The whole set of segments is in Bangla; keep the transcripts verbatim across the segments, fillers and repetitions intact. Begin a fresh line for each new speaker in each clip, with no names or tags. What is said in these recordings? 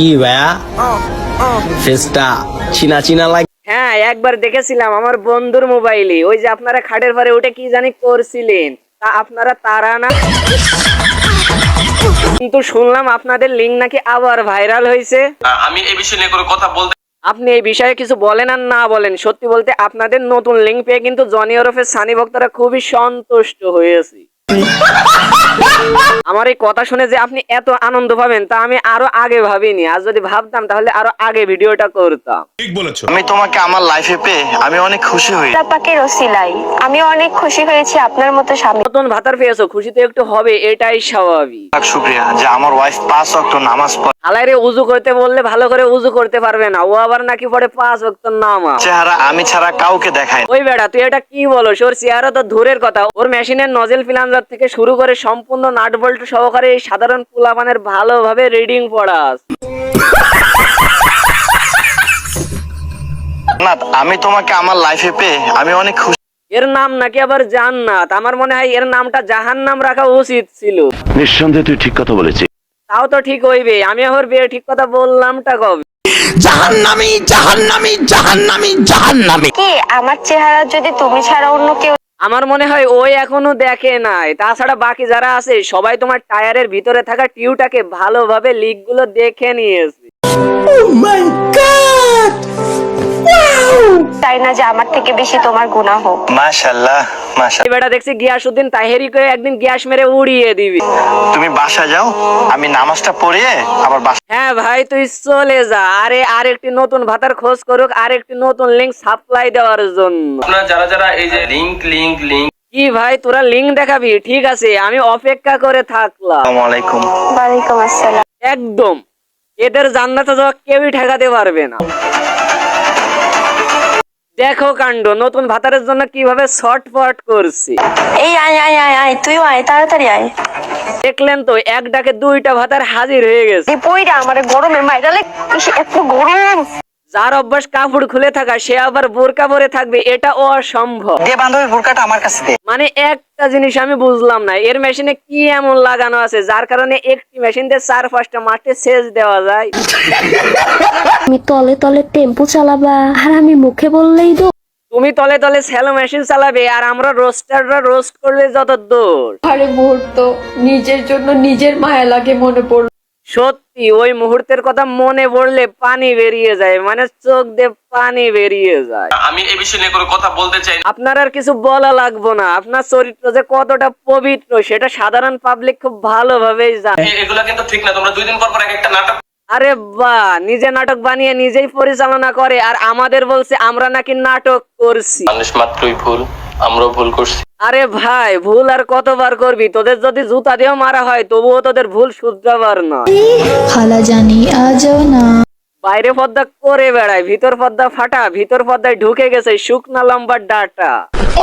কি ভাইয়া ফেসটা চিনা চিনা লাগে।
হ্যাঁ, একবার দেখেছিলাম আমার বন্ধুর মোবাইলে, ওই যে আপনারা খাটের পরে উঠে কি জানি করছিলেন, তা আপনারা তারা না? কিন্তু শুনলাম আপনাদের লিঙ্ক নাকি আবার ভাইরাল হয়েছে।
আমি এই বিষয় নিয়ে কোনো কথা বলতে
আপনি এই বিষয়ে কিছু বলেন আর না বলেন, সত্যি বলতে আপনাদের নতুন লিঙ্ক পেয়ে কিন্তু জনি ওরফের সানি ভক্তরা খুবই সন্তুষ্ট হয়েছে। আমার এই কথা শুনে যে আপনি এত আনন্দ পাবেন তা আমি আরো আগে ভাবিনি, আর যদি ভাবতাম তাহলে আরো আগে ভিডিওটা করতাম।
ঠিক বলেছো।
আমি তোমাকে আমার লাইফে পেয়ে আমি অনেক খুশি হই।
পাকের ওসিলাই আমি অনেক খুশি হয়েছি আপনার মতো স্বামী।
নতুন ভাতার পেয়েছো, খুশি তো একটু হবে, এটাই স্বাভাবিক।
শুক্রিয়া যে আমার ওয়াইফ পাঁচ ওয়াক্ত নামাজ পড়ে।
আলাইরে উজু করতে বললে ভালো করে উজু করতে পারবে না, ও আবার নাকি পড়ে পাঁচ ওয়াক্ত নামাজ।
চেহারা আমি ছাড়া কাউকে দেখায় না।
ওই বেটা তুই এটা কি বলো? ওর চেহারা তো দূরের কথা, ওর মেশিনের নজেল ফিলাঞ্জার থেকে শুরু করে সম্পূর্ণ নাট বল্টু সহকারে এই সাধারণ পোলাপানের ভালোভাবে রিডিং পড়াস।
না, আমি তোমাকে আমার লাইফে পেয়ে আমি অনেক খুশি।
এর নাম নাকি আবার জান্নাত, আমার মনে হয় এর নামটা জাহান্নাম রাখা উচিত ছিল।
নিঃসন্দেহে তুই ঠিক কথা বলেছিস।
তাও তো ঠিক হইবে, আমি আবার বিয়ে ঠিক কথা বললামটা কবে?
জাহান্নামী জাহান্নামী জাহান্নামী জাহান্নামী।
কি আমার চেহারা যদি তুমি ছাড়া অন্য কেউ?
আমার মনে হয় ওই এখনো দেখে নাই, তাছাড়া বাকি যারা আছে সবাই তোমার টায়ারের ভিতরে থাকা টিউটাকে ভালোভাবে লিক গুলো দেখে নিয়েছে।
চাই না যে আমার থেকে বেশি তোমার গুনাহ হোক।
মাশাআল্লাহ মাশাআল্লাহ।
এই বেটা দেখছি গিয়াসউদ্দিন তাহেরি করে একদিন গ্যাস মেরে উড়িয়ে দিবি।
তুমি বাসা যাও, আমি নামাজটা পড়িয়ে আবার বাসা।
হ্যাঁ ভাই তুই চলে যা, আরে আরেকটি নতুন ভাতার খোঁজ করুক, আরেকটি নতুন লিঙ্ক সাপ্লাই দেওয়ার জন্য।
আপনারা যারা যারা এই যে লিংক লিংক লিংক
কি ভাই তোরা লিঙ্ক দেখাবি? ঠিক আছে, আমি অপেক্ষা করে থাকলাম।
আসসালামু আলাইকুম।
ওয়ালাইকুম আসসালাম।
একদম এদের জান্নাতে যাওয়া কেউই ঠেকাতে পারবে না। দেখো কাণ্ড, নতুন ভাতারের জন্য কিভাবে শর্টফট করছি।
এই আয় আয় আয় আয় তুইও আয়, তাড়াতাড়ি আয়।
দেখলেন তো, এক ডাকে দুইটা ভাতার হাজির হয়ে গেছে।
এই পইরা আমারে গরমে মাইরালে এত গরম।
যার অভ্যাস কাপড় খুলে থাকা সে আবার বোরকা পরে থাকবে, এটা অসম্ভব।
দে বান্ধবী বোরকাটা আমার কাছে দে।
মানে একটা জিনিস আমি বুঝলাম না, এর মেশিনে কি এমন লাগানো আছে যার কারণে একটি মেশিন দিয়ে চার পাঁচটা মাঠে সেচ দেওয়া যায়।
আমি তলে তলে টেম্পো চালাবা আর আমি মুখে বললেই তো।
তুমি তলে তলে স্যালো মেশিন চালাবে আর আমরা রোস্টাররা রোস্ট করলে যত দূর।
আরে মুহূর্ত নিজের জন্য নিজের মায়া লাগে মনে পড়ল।
সত্যি ওই মুহূর্তের কথা মনে পড়লে পানি বেরিয়ে যায়, মানে চোখ দিয়ে পানি বেরিয়ে যায়।
আমি এই বিষয় নিয়ে কোনো কথা বলতে চাই না।
আপনার আর কিছু বলা লাগবো না, আপনার চরিত্র যে কতটা পবিত্র সেটা সাধারণ পাবলিক খুব ভালোভাবেই জানে।
এ- এগুলা কিন্তু ঠিক না। তোমরা দুই দিন পর পর এক একটা নাটক
আরে বাহ, নিজে নাটক বানিয়ে নিজেই পরিচালনা করে আর আমাদের বলছে আমরা নাকি নাটক করছি।
মানুষ মাত্রই ভুল, আমরাও ভুল করছি।
আরে ভাই, ভুল আর কতবার করবি? তোদের যদি জুতা দিয়েও মারা হয় তবুও তোদের ভুল শুধরাবার না।
খালা জানি আজও না।
বাইরে পর্দা করে বেড়ায়, ভিতর পর্দা ফাটা, ভিতর পর্দায় ঢুকে গেছে শুকনা লম্বা ডাটা।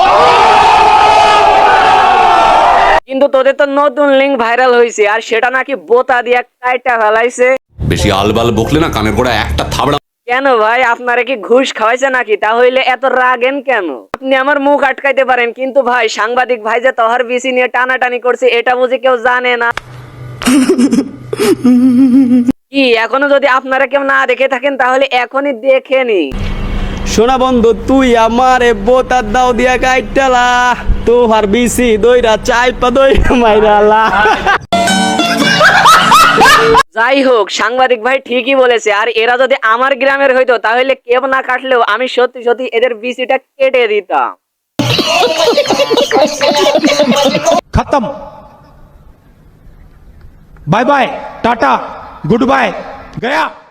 কিন্তু তোদের তো নতুন লিঙ্ক ভাইরাল হয়েছে আর সেটা নাকি বোতা দিয়ে কাইটা ফেলাইছে।
বেশি আলবাল বকলে না কানের গোড়া একটা থাবড়া।
কেন ভাই, আপনারা কি ঘুষ খাওয়াইছে নাকি? তাহলে এত রাগেন কেন? আপনি আমার মুখ আটকাইতে পারেন, কিন্তু ভাই সাংবাদিক ভাই যে তহার বিসি নিয়ে টানাটানি করছে এটা বুঝি কেউ জানে না? কি এখনো যদি আপনারা কেউ না দেখে থাকেন তাহলে এখনই দেখে নি।
শোনা বন্ধু, তুই আমার বোতার দাও দিয়া কাইটালা, তোহার বিসি দইরা চাইপা দই মাইরালা।
যাই হোক, সাংবাদিক ভাই ঠিকই বলেছে, আর এরা যদি আমার গ্রামের হইতো তাহলে কেউ না কাটলেও আমি সত্যি সত্যি এদের বিসিটা কেটে দিতাম।
खत्म। Bye bye tata goodbye गया।